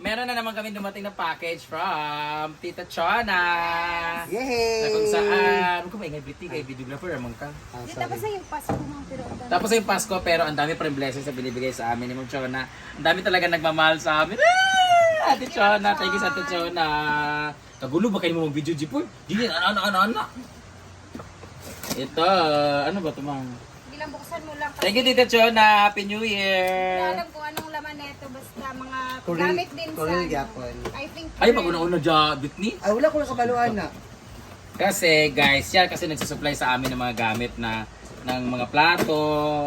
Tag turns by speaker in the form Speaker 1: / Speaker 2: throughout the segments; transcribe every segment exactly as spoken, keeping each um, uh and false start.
Speaker 1: meron na naman kami dumating na package from Tita Chona.
Speaker 2: Yay!
Speaker 1: Na kung saan, kung may ngayong kay videographer naman ka.
Speaker 2: Ah,
Speaker 3: Di,
Speaker 2: sorry.
Speaker 3: tapos na yung Pasko mo, pero ang dami.
Speaker 1: Tapos yung Pasko, pero ang dami pa rin blessings na binibigay sa amin ni Ma'am Chona. Ang dami talaga nagmamahal sa amin. Ah! Ate Chona, thank you sa Ate Chona. Kagulo ba kayo mo mag-video, Jipoy? Hindi, ano, ano, ano, ano. Ito, ano ba ito, Ma'am?
Speaker 3: Hindi lang buksan mo lang.
Speaker 1: Thank you, Tita Chona. Happy New
Speaker 3: Hindi
Speaker 1: Year.
Speaker 3: alam kung anong laman nito, basta mga
Speaker 2: Korean-
Speaker 3: gamit din sa...
Speaker 2: Korean
Speaker 3: ano.
Speaker 2: Japon.
Speaker 3: I think...
Speaker 1: Ay, pag una-una dyan, Britney.
Speaker 2: Ay, wala ko nakabaluan na.
Speaker 1: Kasi, guys, siya kasi nagsusupply sa amin ng mga gamit na ng mga plato.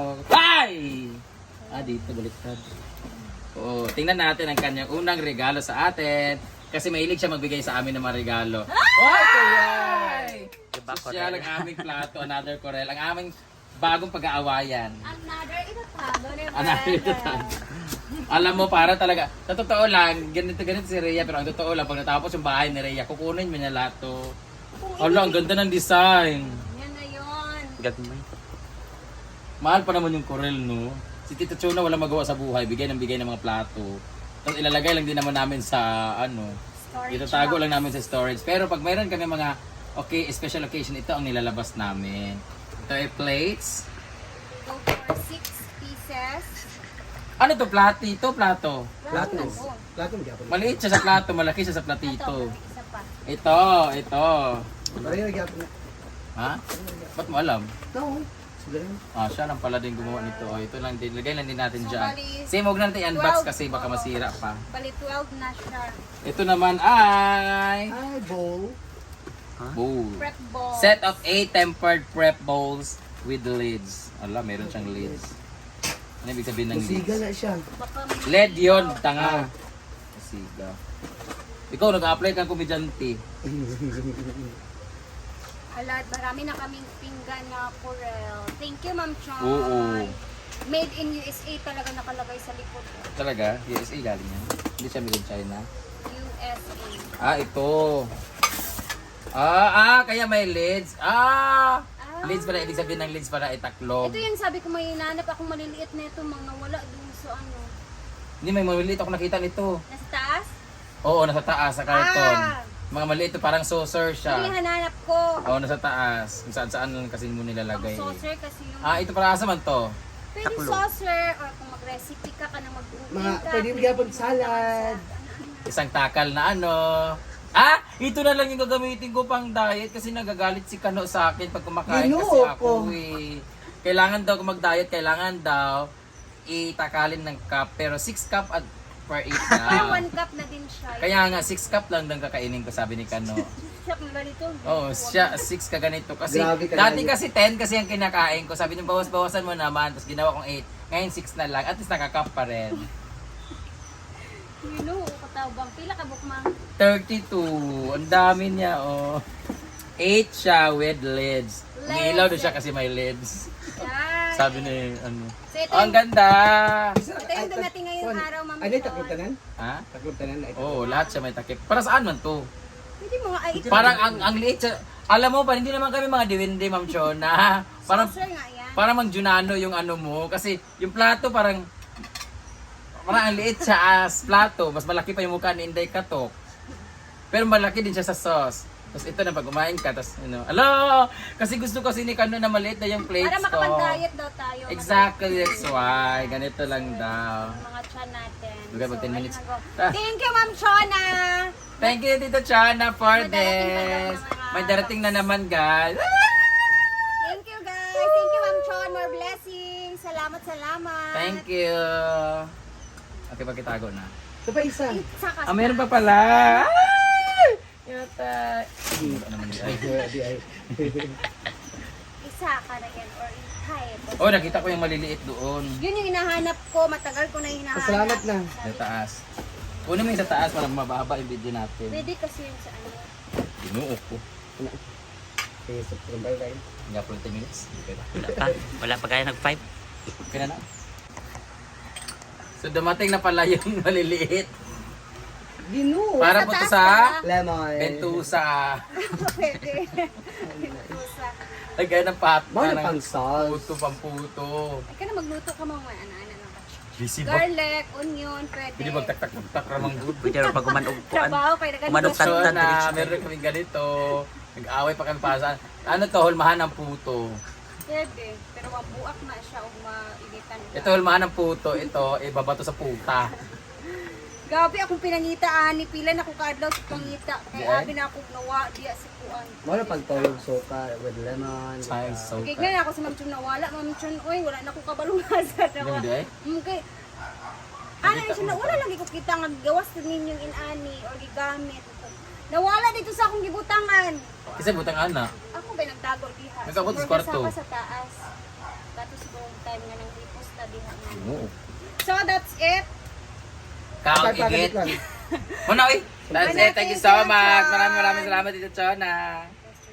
Speaker 1: Ay! Ah, dito, baliktad. Oo, tingnan natin ang kanyang unang regalo sa atin. Kasi mahilig siya magbigay sa amin ng mga regalo. Ay, kayay!
Speaker 4: Diba,
Speaker 1: Social ang aming plato, another Corel. Ang aming bagong pag-aawayan.
Speaker 3: Another itatago, never.
Speaker 1: Another itatago. Alam mo, para talaga, sa totoo lang, ganito ganito si Rhea, pero ang totoo lang, pag natapos yung bahay ni Rhea, kukunin mo niya lahat to. Ala, ang ganda ng design.
Speaker 3: Yan na yun.
Speaker 4: Gagmay.
Speaker 1: Mahal pa naman yung Corel, no? Si Tita Chona wala magawa sa buhay, bigay ng bigay ng mga plato. Tapos ilalagay lang din naman namin sa, ano,
Speaker 3: Storage
Speaker 1: itatago
Speaker 3: box.
Speaker 1: lang namin sa storage. Pero pag mayroon kami mga, okay, special occasion, ito ang nilalabas namin. Ito ay plates.
Speaker 3: Go for six pieces.
Speaker 1: Ano to, plati? Ito, plato.
Speaker 2: Plato.
Speaker 3: Lang, oh.
Speaker 2: Plato mo gyapon.
Speaker 1: Maliit siya sa plato, malaki siya sa
Speaker 3: Ito,
Speaker 1: platito.
Speaker 3: isa pa.
Speaker 1: Ito, ito.
Speaker 2: Pareho gyapon na.
Speaker 1: Ha? Ba't mo alam?
Speaker 2: No. Siguro.
Speaker 1: Ah, siya lang pala din gumawa nito. Oh, ito lang din. Lagay lang din natin
Speaker 3: So,
Speaker 1: dyan.
Speaker 3: bali,
Speaker 1: Same, huwag natin i-unbox
Speaker 3: twelve.
Speaker 1: kasi baka masira pa.
Speaker 3: Bali, twelve na siya.
Speaker 1: Ito naman ay...
Speaker 2: Ay, bowl.
Speaker 1: Bowl.
Speaker 3: Prep ball.
Speaker 1: Set of eight tempered prep bowls with lids. Ala, meron siyang lids. Ano ibig sabihin ng
Speaker 2: Musiga
Speaker 1: lids?
Speaker 2: na siya.
Speaker 3: Baka
Speaker 1: L E D yun, tanga. Asiga. Ikaw, nag-apply kang komedyante.
Speaker 3: Alat, marami na kaming pinggan na Corel. Thank you, Ma'am Chon.
Speaker 1: Oo.
Speaker 3: Made in U S A talaga nakalagay sa likod.
Speaker 1: Talaga? U S A galing yan. Hindi siya made in China.
Speaker 3: U S A.
Speaker 1: Ah, ito. Ah, ah, kaya may lids. Ah!
Speaker 3: Ah.
Speaker 1: Lids pala, ibig sabihin ng lids pala ay taklob.
Speaker 3: Ito yung sabi ko, may hinanap akong maliliit na ito, mga wala dun sa ano.
Speaker 1: Hindi, may maliit ako nakita nito.
Speaker 3: Nasa taas?
Speaker 1: Oo, nasa taas, sa karton.
Speaker 3: Ah!
Speaker 1: Mga maliit, parang saucer
Speaker 3: Ito yung
Speaker 1: siya.
Speaker 3: hananap ko.
Speaker 1: Oo, nasa taas. Kung saan-saan lang kasi mo
Speaker 3: Pang
Speaker 1: nilalagay.
Speaker 3: saucer kasi yung...
Speaker 1: Ah, ito para asa man to?
Speaker 3: Pwede
Speaker 4: taklo.
Speaker 3: saucer, or kung mag-recipe ka ka na mag-uwi
Speaker 2: Mga,
Speaker 3: ka.
Speaker 2: pwede mo gyapon salad.
Speaker 1: Isang takal na ano. Ah, ito na lang yung gagamitin ko pang diet kasi nagagalit si Kano sa akin pag kumakain kasi
Speaker 2: Ginoo
Speaker 1: ako
Speaker 2: ko.
Speaker 1: eh. Kailangan daw kung mag-diet, kailangan daw itakalin ng cup. Pero six cup at per eight
Speaker 3: Parang
Speaker 1: na.
Speaker 3: one cup na din siya.
Speaker 1: Kaya nga, six cup lang ng kakainin ko, sabi ni Kano.
Speaker 3: Siya kung ganito.
Speaker 1: Oo, oh, siya, six ka ganito. Kasi,
Speaker 2: Grabe ka
Speaker 1: dati
Speaker 2: na.
Speaker 1: kasi ten kasi ang kinakain ko. Sabi niya, bawas-bawasan mo naman. Tapos ginawa kong eight. Ngayon six na lang. At least nakakap pa rin.
Speaker 3: You know, katawbang. Pila ka bukmang.
Speaker 1: thirty-two. Ang dami niya, oh. eight siya with lids. Umiilaw doon siya kasi may lids.
Speaker 3: Yan.
Speaker 1: Sabi ni, ano.
Speaker 3: So, ito,
Speaker 1: Oh, ang ganda!
Speaker 3: ito yung dumating ngayong araw, Ma'am
Speaker 2: Ano yung
Speaker 3: Chon.
Speaker 2: taklong tanan?
Speaker 1: Ha?
Speaker 2: Taklong tanan na ito.
Speaker 1: Oo, oh, lahat siya may takip. Para saan man to?
Speaker 3: Pwede mo nga, ay, ito.
Speaker 1: Parang ang, ang liit siya. Alam mo pa, hindi naman kami mga diwindi, Ma'am Chona. Parang,
Speaker 3: Saucer nga yan.
Speaker 1: parang mang Junano yung ano mo. Kasi yung plato parang, parang ang liit siya as plato. Mas malaki pa yung mukha ni Inday Katok. Pero malaki din siya sa sauce. Tapos ito na pag kumain ka, tapos ano, alo! Kasi gusto kasi ni Kano na maliit na yung plates
Speaker 3: Para
Speaker 1: ko.
Speaker 3: makapag-diet daw tayo.
Speaker 1: Exactly, that's why. Ganito lang daw.
Speaker 3: Mga chan natin.
Speaker 1: Bigay mo ten
Speaker 3: ayun
Speaker 1: minutes.
Speaker 3: na go.
Speaker 1: Ah.
Speaker 3: Thank you, Ma'am Chona!
Speaker 1: Thank you, Tita Chana, for
Speaker 3: May darating pa daw
Speaker 1: this.
Speaker 3: na mga
Speaker 1: May darating na naman, guys.
Speaker 3: Thank you, guys! Thank you, Ma'am Chon! More blessings! Salamat, salamat!
Speaker 1: Thank you. Okay, pagkitago na.
Speaker 2: Ito pa isa.
Speaker 3: Saka,
Speaker 1: Ah, meron pa pala. Ay! Yata. Ano naman yun?
Speaker 2: Ay, di ay.
Speaker 3: isa ka na yan or type.
Speaker 1: Oh, nakita ko yung maliliit doon.
Speaker 3: Yun yung hinahanap ko. Matagal ko na hinahanap.
Speaker 2: Salamat na.
Speaker 1: Sa taas. Kunin mo yung sa taas para mababa yung video natin.
Speaker 3: Pwede kasi yun sa ano.
Speaker 1: Binuo ko.
Speaker 2: Okay, so, bye-bye.
Speaker 1: Nga po ten minutes. Okay na.
Speaker 4: Wala pa. Wala pa kaya nag-five.
Speaker 1: Okay na na. So dumating na pala yung maliliit.
Speaker 2: Ginoo.
Speaker 1: Para
Speaker 3: Sa
Speaker 1: po to
Speaker 3: taas
Speaker 1: sa
Speaker 3: pala.
Speaker 2: Lemon.
Speaker 1: Bentusa.
Speaker 3: Pwede. Pusa.
Speaker 1: Lagay ng pat
Speaker 2: Mga
Speaker 1: ng
Speaker 2: pang sauce.
Speaker 1: puto, pamputo.
Speaker 3: Ay ka na magluto ka mga ano, ano, ano, ano.
Speaker 4: Busy ba?
Speaker 3: garlic, onion, pwede.
Speaker 1: Pwede magtak-tak-tak ramang good.
Speaker 5: Pwede rin pag umanog po.
Speaker 3: Trabaho kayo na
Speaker 5: Umanok
Speaker 3: ganito.
Speaker 5: Tan-
Speaker 1: So
Speaker 5: tan-
Speaker 1: na,
Speaker 5: rich.
Speaker 1: meron kami ganito. Nag-away pa kami para saan. Ano to, hulmahan ng puto.
Speaker 3: Pwede, pero mabuak na siya o mainitan.
Speaker 1: Ito, hulmahan ng puto. Ito, ibabato sa puta.
Speaker 3: Gabi akong pinangita ani pila na ko kadlaw sa pangita. Kay
Speaker 1: Di ay?
Speaker 3: abi na ako nawa diya sa kuan.
Speaker 2: Wala pagtulog suka with lemon.
Speaker 1: Ay, so
Speaker 3: Kay nga ako sa Ma'am Chun nawala, Ma'am Chun, oy wala na ko kabalungasa
Speaker 1: Ano
Speaker 3: nawa.
Speaker 1: di ay?
Speaker 3: Okay. Ano yung siya wala lagi ko kita nga gawas sa ninyong inani or gigamit. Nawala dito sa akong gibutangan.
Speaker 1: Kasi butang anak.
Speaker 3: Ako ba nagtago diha?
Speaker 1: Nagtago sa
Speaker 3: Siguro
Speaker 1: kwarto.
Speaker 3: kasama sa taas. Kato siguro time nga nang riposta diha.
Speaker 1: Oo.
Speaker 3: So that's it.
Speaker 1: Kaon
Speaker 2: Pagpagalit
Speaker 1: igit.
Speaker 2: lang.
Speaker 1: Muna, uy. That's it. Thank you so much. Maraming maraming salamat dito, Chona.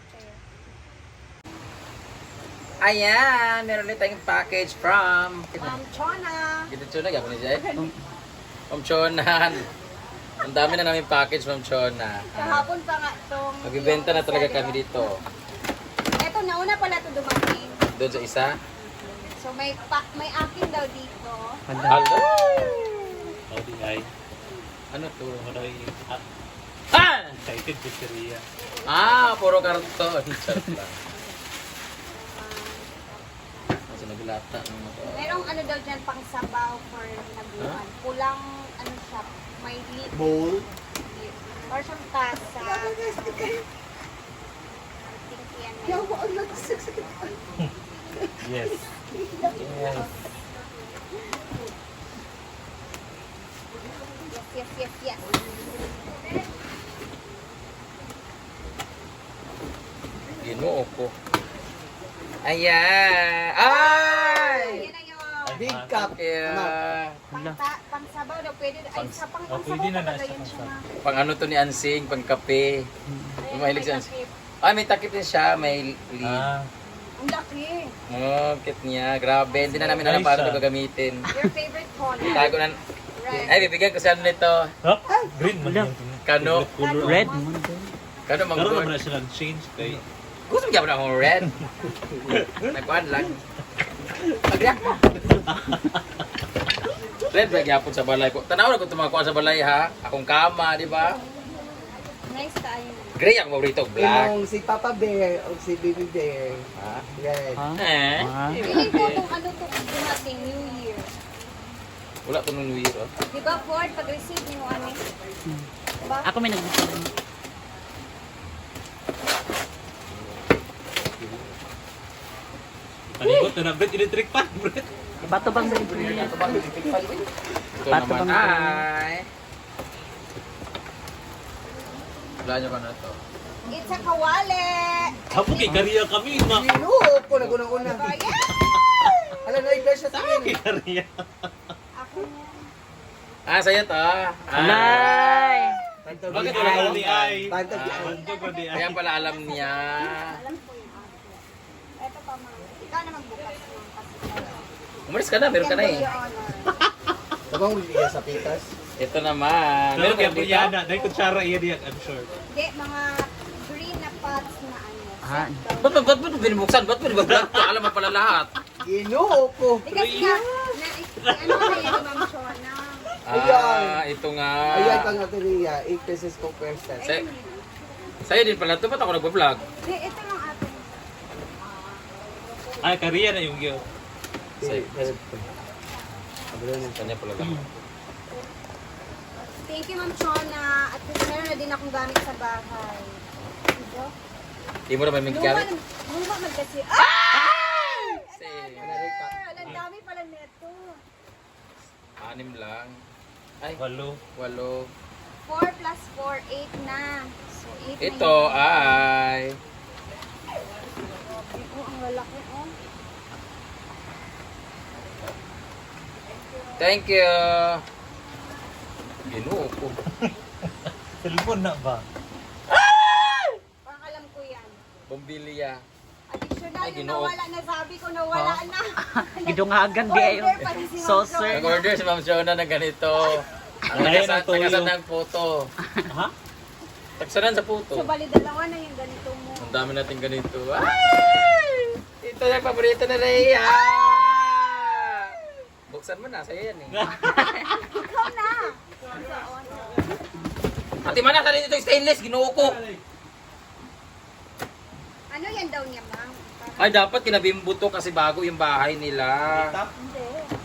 Speaker 1: Ayan, meron ulit tayong package from...
Speaker 3: Ma'am Chona.
Speaker 1: Dito, Chona, gapon niya eh. From Chona. Ang dami na namin package from Chona.
Speaker 3: Kahapon pa nga tong
Speaker 1: Magbibenta na talaga kami dito.
Speaker 3: Ito nauna pala to dumating.
Speaker 1: Doon sa isa.
Speaker 3: So may pa, may akin daw dito.
Speaker 1: Hello!
Speaker 4: Howdy ay.
Speaker 1: Ano to?
Speaker 4: Howdy. Ah,
Speaker 1: Ah!
Speaker 4: excited pizzeria.
Speaker 1: Ah, puro karton. Charot lang. Kasi naglata ng mga to.
Speaker 3: Merong ano daw dyan pang sabaw for nabuhan. Pulang ano siya, may lid.
Speaker 2: Bowl.
Speaker 3: Or siyang tasa. I think yan may-
Speaker 4: Yes.
Speaker 1: Yes.
Speaker 3: Yes, yes, yes, yes.
Speaker 1: Ginoo ko. Ayan! Ay!
Speaker 3: Yan na yun.
Speaker 2: Big cup.
Speaker 1: Yeah.
Speaker 3: Pang, ta- pang sabaw daw pwede. Ay,
Speaker 1: Pang-
Speaker 3: sa pang,
Speaker 4: Oh,
Speaker 3: pang
Speaker 4: pwede
Speaker 3: sabaw
Speaker 4: na
Speaker 3: talaga
Speaker 4: nasa
Speaker 3: yan siya.
Speaker 4: pang-
Speaker 1: Pang ano to ni Ansing, pang kape.
Speaker 3: Ayun,
Speaker 1: Mahilig
Speaker 3: may
Speaker 1: si Ansing.
Speaker 3: takip.
Speaker 1: Ah, may takip din siya, may lead.
Speaker 4: Ah,
Speaker 3: Ang laki.
Speaker 1: Oh, cute niya. Grabe, hindi na namin alam
Speaker 4: Nice,
Speaker 1: paano
Speaker 4: ah.
Speaker 1: ito gagamitin.
Speaker 3: Your favorite color.
Speaker 1: Tago na.
Speaker 3: Right.
Speaker 1: Ay, bibigyan ko siya nito.
Speaker 4: huh? Green man
Speaker 5: Wala.
Speaker 4: yung
Speaker 1: Kano?
Speaker 4: favorite color.
Speaker 5: Red.
Speaker 1: Kano mang
Speaker 4: Karoon
Speaker 1: good?
Speaker 4: naman na siya nag-change kay
Speaker 1: Gusto mo gyapon akong red? Nagkuhan lang. Pagyak mo. Red ba gyapon sa balay ko? Tanaw na ko tumakuha sa balay ha. Akong kama, di ba?
Speaker 3: Nice tayo.
Speaker 1: Gray ang paborito, black.
Speaker 2: Yung si Papa Bear o si Baby Bear.
Speaker 1: Ha?
Speaker 2: Red.
Speaker 5: Ha?
Speaker 1: Eh?
Speaker 5: Ah.
Speaker 3: Feeling ko kung ano to dumating New Year.
Speaker 1: Wala to nung weird, oh.
Speaker 3: Di ba, Ford, pag-receive niyo ano? Diba?
Speaker 5: Ako may nag-gusto.
Speaker 4: panigot na na Brett, electric fan Brett.
Speaker 5: Bato bang
Speaker 1: Ito
Speaker 5: Bato
Speaker 1: naman
Speaker 5: bang-
Speaker 1: ay... Wala niyo ka na to.
Speaker 3: It's a kawali!
Speaker 4: Hapo kay Kariya kami ma.
Speaker 2: Ginoo ko nagunang-una.
Speaker 3: Diba? Yeah!
Speaker 2: Alam na i-brush siya sa
Speaker 4: Kay
Speaker 2: akin.
Speaker 4: Kariya.
Speaker 3: Ako na.
Speaker 1: Ah, sa'yo to. Ah.
Speaker 5: Alay!
Speaker 2: Pantog
Speaker 4: Bakit
Speaker 2: di
Speaker 4: wala
Speaker 2: ay.
Speaker 4: ko ni ay?
Speaker 2: Pantog di
Speaker 1: Ah.
Speaker 2: ay.
Speaker 4: Bantog ko di ay.
Speaker 1: Kaya pala alam niya.
Speaker 3: Alam ko yung ako. Ito pa, ma. Ikaw na magbukas mo. Kasi
Speaker 1: Umalis ka na, meron ka na eh.
Speaker 2: Tabang liya sa pitas.
Speaker 1: Ito naman.
Speaker 4: Meron
Speaker 1: Meron ka
Speaker 4: kay
Speaker 1: dito?
Speaker 4: Brianna, dahil kutsara iya diyan, I'm sure.
Speaker 3: Hindi, mga green na pots na ano.
Speaker 5: Ah.
Speaker 1: Ba't ba, ba't ba ito binubuksan? Ba't ba nag-vlog ko? Alam mo pala lahat.
Speaker 2: Ginoo ko.
Speaker 3: Di kasi nga, na, ano na yan, Ma'am Shona?
Speaker 1: Ah, ito nga.
Speaker 2: Ayan pang nateriya. eight pesos po per set.
Speaker 1: Sa, sa'yo din pala ito. Ba't ako nag-vlog?
Speaker 3: Hindi, ito lang atin.
Speaker 4: Ay, Kariya na yung giyo.
Speaker 1: Sa'yo.
Speaker 2: Abalo na.
Speaker 1: Kanya pala lang.
Speaker 3: Thank you, Ma'am Shona. At meron na din akong gamit sa bahay. Diba?
Speaker 1: Di mo naman may
Speaker 3: Luma,
Speaker 1: galit.
Speaker 3: luma man kasi. Ah!
Speaker 1: Kasi,
Speaker 3: Ang dami pala neto.
Speaker 1: anim lang. Ay,
Speaker 4: Walo.
Speaker 1: walo.
Speaker 3: four plus four, eight na. So, eight
Speaker 1: Ito
Speaker 3: na
Speaker 1: ay...
Speaker 3: yun. Oh, ang lalaki, oh.
Speaker 1: Thank you. Ginoo ko.
Speaker 4: Cellphone na ba?
Speaker 3: Parang alam ko yan.
Speaker 1: Bombilya.
Speaker 3: Additional
Speaker 1: Ay,
Speaker 3: yung
Speaker 1: ginoo.
Speaker 3: nawala na sabi ko, nawala na.
Speaker 5: Gidungagan di ayo.
Speaker 3: Order pa rin si Ma'am
Speaker 5: Saucer.
Speaker 3: Shona.
Speaker 1: Nag-order si Ma'am Shona ng ganito. Ang
Speaker 4: Ayan
Speaker 1: nagasan,
Speaker 4: ang tuyo.
Speaker 1: nagasan ng photo.
Speaker 4: Ha?
Speaker 1: Tagsanan sa
Speaker 3: So,
Speaker 1: photo.
Speaker 3: bali dalawa na yung ganito mo.
Speaker 1: Ang dami natin ganito. Ay! Ito yung paborito na Leia! buksan mo na. Sa'yo yan eh.
Speaker 3: Ikaw na.
Speaker 1: Ate Mana, sa dito yung stainless. Ginoo ko.
Speaker 3: Ano yan daw niya, ma'am?
Speaker 1: Ay, dapat kinabimbo to kasi bago yung bahay nila.
Speaker 3: Hindi.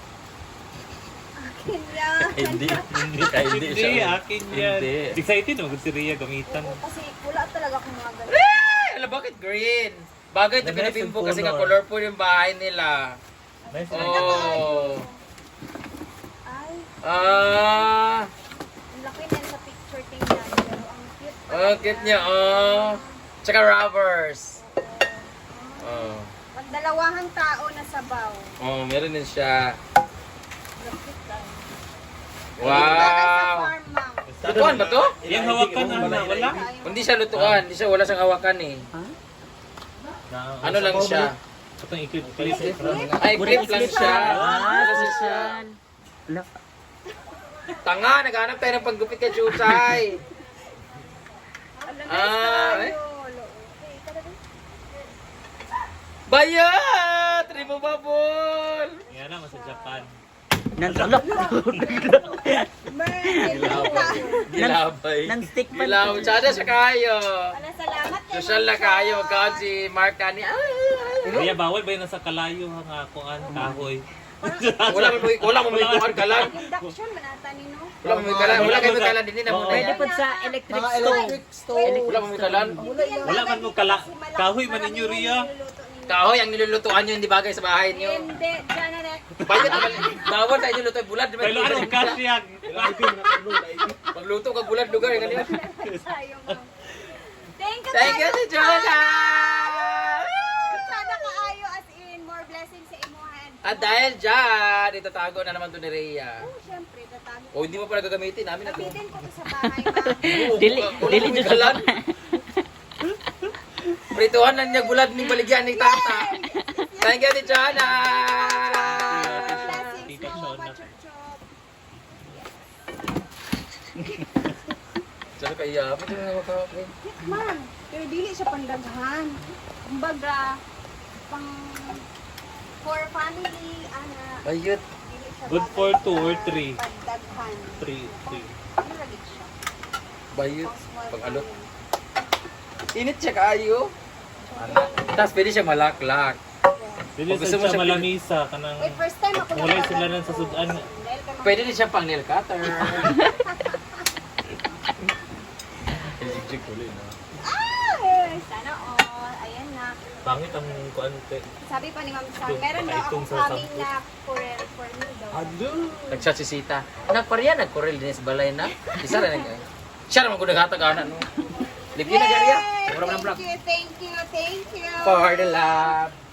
Speaker 3: Akin yan.
Speaker 1: Hindi. Hindi.
Speaker 4: Hindi, akin yan.
Speaker 1: Hindi.
Speaker 4: Excited mo si Rhea gamitan.
Speaker 3: Oo, kasi wala talaga akong mga ganun.
Speaker 1: Eh, alam bakit green? Bagay ito
Speaker 4: Nice
Speaker 1: kinabimbo
Speaker 4: yung
Speaker 1: kasi nga
Speaker 4: color.
Speaker 1: colorful yung bahay nila.
Speaker 4: Nice.
Speaker 1: Oh.
Speaker 3: Ay,
Speaker 1: Ah.
Speaker 3: ang laki niyan sa picture tingnan. Pero ang cute.
Speaker 1: Oh, cute niya. Oh. Tsaka rubbers. Oh.
Speaker 3: Magdalawahang tao na sabaw.
Speaker 1: Oh, meron din siya.
Speaker 3: Lapit lang. Bagay sa
Speaker 1: Wow.
Speaker 3: farm, ma'am.
Speaker 1: Lutuan ba to?
Speaker 4: Yung hawakan na wala.
Speaker 1: Hindi siya lutuan. Hindi siya, wala siyang hawakan eh. Ano lang siya?
Speaker 4: Itong i-clip-clip.
Speaker 1: Ay, clip lang siya.
Speaker 5: Ah,
Speaker 1: Kasi siya.
Speaker 5: Wala.
Speaker 1: Tanga, naghanap tayo ng panggupit kay Chuchay.
Speaker 3: Alam,
Speaker 1: Ah,
Speaker 3: nice
Speaker 1: eh.
Speaker 3: tayo. Okay, tara din.
Speaker 1: Bayat! Removable!
Speaker 4: Yan na, sa Japan.
Speaker 5: Nansalok.
Speaker 1: Gilabay. Gilabay.
Speaker 5: Non-stick pa.
Speaker 1: Gilabay. Tsada siya kayo.
Speaker 3: Wala, salamat kay
Speaker 1: Social na
Speaker 3: Ma'am
Speaker 1: kayo.
Speaker 3: Char.
Speaker 1: Magkaon si Mark Kani.
Speaker 4: Rhea, bawal ba yun nasa kalayo ang ah, kuan kahoy?
Speaker 1: Wala mo wala mo may kuhan kalan.
Speaker 3: Induction, manata ni no?
Speaker 1: Wala mo may kalan. Wala kayo may kalan din na mo.
Speaker 5: Pwede po sa electric
Speaker 2: Mga
Speaker 5: stove.
Speaker 2: electric stove.
Speaker 1: Wala mo may kalan.
Speaker 4: Wala man mo kala kahoy man ninyo, Rhea.
Speaker 1: Kahoy ang nilulutuan nyo hindi bagay sa bahay nyo.
Speaker 3: Hindi, dyan na na.
Speaker 1: Bayad bawal tayo niluto bulad.
Speaker 4: Pero ano kasyag?
Speaker 1: Magluto kag bulad lugar kanina.
Speaker 3: Sayo, ma'am. Thank you,
Speaker 1: Thank you
Speaker 3: tayo,
Speaker 1: si Jonah.
Speaker 3: Sana kaayo as in, more blessings sa imuhan.
Speaker 1: At dahil dyan, itatago na naman to ni Rhea.
Speaker 3: Oh, syempre, tatago.
Speaker 1: O hindi mo pala gagamitin namin na to.
Speaker 3: Gamitin ko to sa bahay, ma'am.
Speaker 5: Dili,
Speaker 1: Wala
Speaker 5: dili
Speaker 1: mo may
Speaker 5: dun sa
Speaker 1: kalan. Prituhan na niya bulad ng baligyan ni Tata. Thank you si Jonah.
Speaker 3: Blessings
Speaker 4: Tita
Speaker 3: mo,
Speaker 4: Shona.
Speaker 3: pachuchok.
Speaker 1: Saan kaya? Pwede mo na makakapin.
Speaker 3: Ma'am, pero dili siya pandaghan. Kumbaga, pang for family, ana,
Speaker 1: Ayot.
Speaker 3: dili siya
Speaker 4: Good
Speaker 3: bagay
Speaker 4: for two
Speaker 3: sa
Speaker 4: or three.
Speaker 3: Pandaghan.
Speaker 4: Three, three.
Speaker 3: Ano lagi siya?
Speaker 1: Bayot.
Speaker 3: Pang small
Speaker 1: Pag alot.
Speaker 3: family.
Speaker 1: Init siya kayo. Tapos pwede siya malaklak.
Speaker 4: Dili
Speaker 1: Kung gusto
Speaker 4: sa
Speaker 1: mo
Speaker 4: siya
Speaker 1: siya
Speaker 4: malamisa kanang
Speaker 3: Wait, first time ako
Speaker 4: Mulay
Speaker 3: nakakagawa
Speaker 4: sila nun sa
Speaker 3: ng-
Speaker 4: sudan.
Speaker 3: Dahil kay Ma'am-
Speaker 1: Pwede din siya pang nail cutter.
Speaker 3: Ah, eh, sana all. Ayan na.
Speaker 4: Pangit ang kuan te.
Speaker 3: Sabi pa ni Ma'am Sang,
Speaker 4: Itong
Speaker 3: meron daw
Speaker 4: pakaitong
Speaker 3: akong
Speaker 4: sa
Speaker 3: coming
Speaker 4: sampu.
Speaker 3: na Corel for me daw.
Speaker 1: Nagchat si Sita. Nagpariya, nagkorel din sa balay na. Isa rin nag siya naman kung naghatag-anan no. Lipin na gariya. Mura mo ng vlog.
Speaker 3: Thank you, thank you, thank you.
Speaker 1: For the love.